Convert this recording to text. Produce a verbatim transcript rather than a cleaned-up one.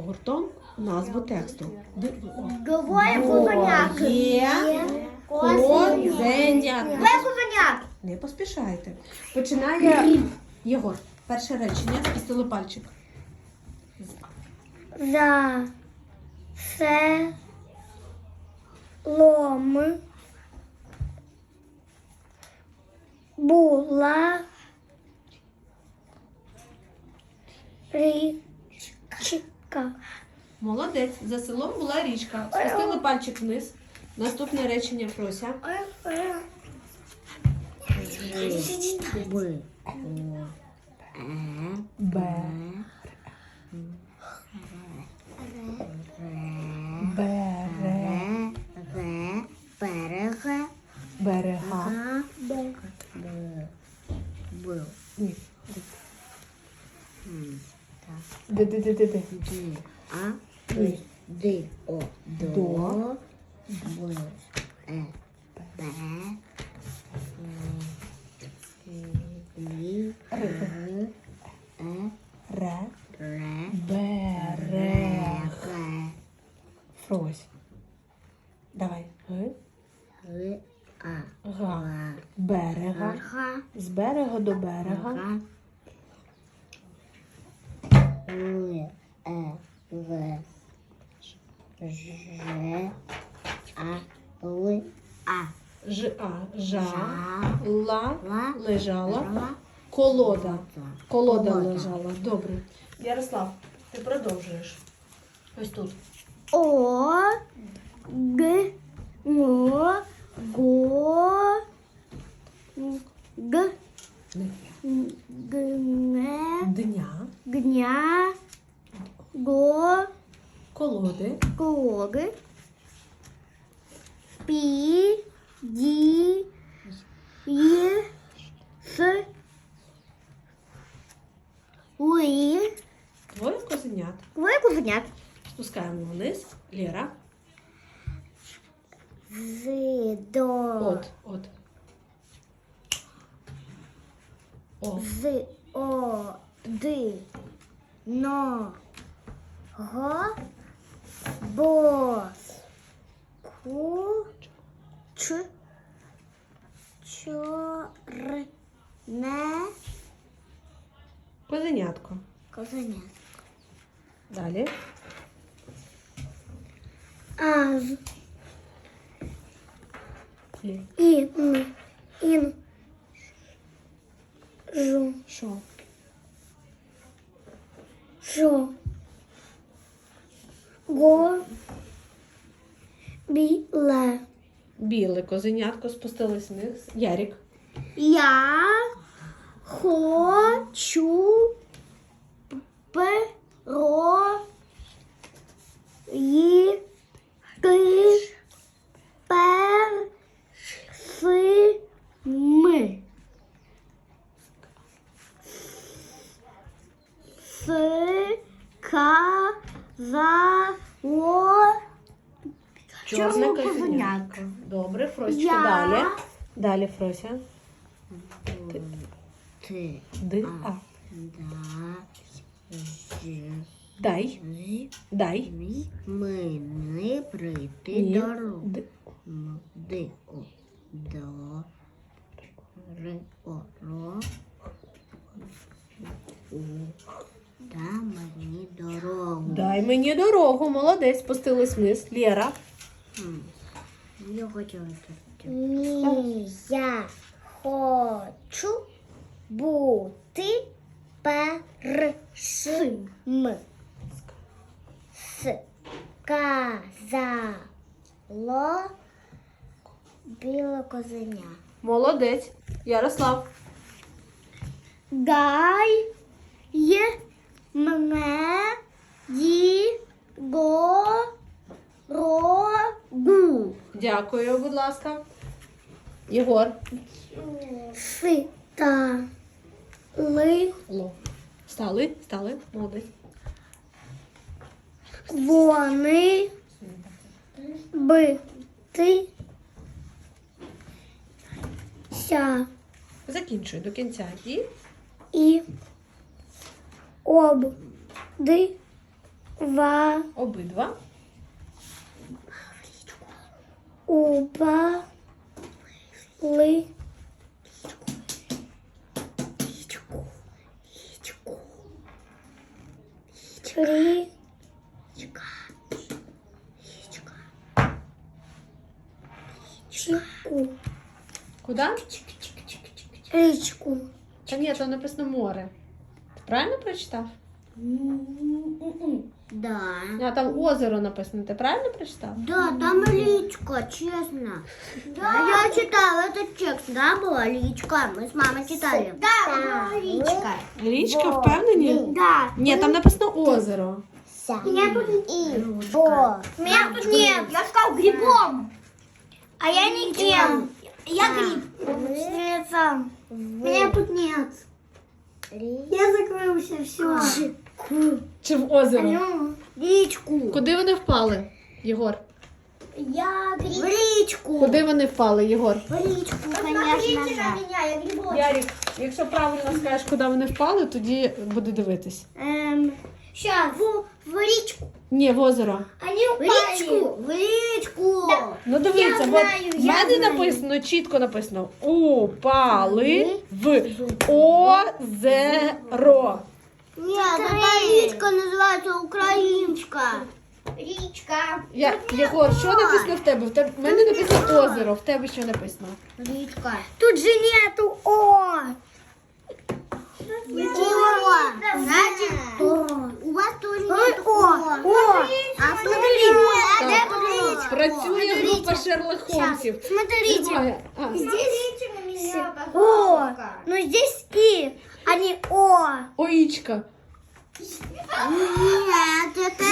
гуртом назву тексту. Двоє козенят. Є козенят. Двоє козенят. Не поспішайте. Починає Єгор. Перше речення. Спустили пальчик. За селом була річка. Молодець. За селом була річка. Спустили пальчик вниз. Наступне речення, Фрося. Б. Б. Бере. Берега. Берега. Б. Ні. Д, д, д, д, д. А. Д. О. До. Б. Е. Б. Лі. Р. Е. Ре. Ре. Берег. Фрось. Давай. Г. Г. А. Га. Берега. Га. З берега до берега. Га. Л. Е. В. Ж. А. Л. А. Ж, а, жа. Жа. Ла. Ла. Лежала. Ла. Колода. Колода Колода. лежала. Добре. Ярослав, ти продовжуєш. Ось тут. О, Г, Мо, Го, Г, Гне, Дня. Гня, Го, Колоди. Клоги, Пі, Ді, Є, С, Ли, Двоє козенят. Двоє козенят. Спускаємо вниз. Лєра. З, до, От, от. О. З, О, Д, Но, Го, Бо, Ку, Ч, Чор, Не, Козенятко. Козенят. Далі. Аз, Лі. Ін, Ін, Жу, Що? Жо, Го, Біле. Біле козенятко спустились вниз. Ярік. Я хочу перо їти персими. Сказало Чорне чому козенятко. Добре, Фросечка, Я- далі. Далі, Фрося. Т. Д, а. Да. Ж. Дай. Дай. Ми. Ми не прийти Ні. дорогу. Д. М. Д. О. До. Р. О. Ро. У. Да мені дорогу. Дай мені дорогу. Молодець. Спустились вниз. Лєра. М. Я хотіла це. Ні, я хочу бути першим. Сказало біле козеня. Молодець. Ярослав. Дай мене дорогу. Дякую, будь ласка. Єгор. Сита. Ли. Ло. Стали? Стали? Молодець. Вони бити ся Закінчую до кінця. І і обди Ва. Обидва. Уба. Ли. Рі. Чіку. Куди? Річку. Та ні, там написано море. Ти правильно прочитав? Да. А там озеро написано. Ти правильно прочитав? Да, там личка, честно. Да. Я читала этот текст, да, была личка. Мы с мамой читали. Да, была личка. Річка, впевнені? Да. Ні, там написано озеро. Меня тут и. О. Меня тут нет. Я сказал грибом. А я не кем. Я гриб. Сам. Меня тут нет. Я закрылся, все. Чи в озеро? Ну, речку. Куди вони впали, Єгор? Я гриб. В речку. Куди вони впали, Єгор? В речку, конечно. Да. Меня, я грибочек. Ярик, якщо правильно скажеш, куди вони впали, тоді буду дивитись. Эм, сейчас. В, в речку. Ні, в озеро. Они упали. В речку. В речку. Да. Ну дивіться, Я от знаю, в я мене знаю. написано, чітко написано упали в озеро. Нет, эта речка называется Украиночка. Речка. Я, Єгор, що написано в тебе? В тебе в мене написано озеро, в тебе що написано? Речка. Тут же нету О. О. Значит, у вас тоже нет О. О. А тут речка. Так, працює група Шерлок Холмсів. Смотрите. Тримає. А, Здесь О. Но здесь И, а не О. Оічка. Нет, это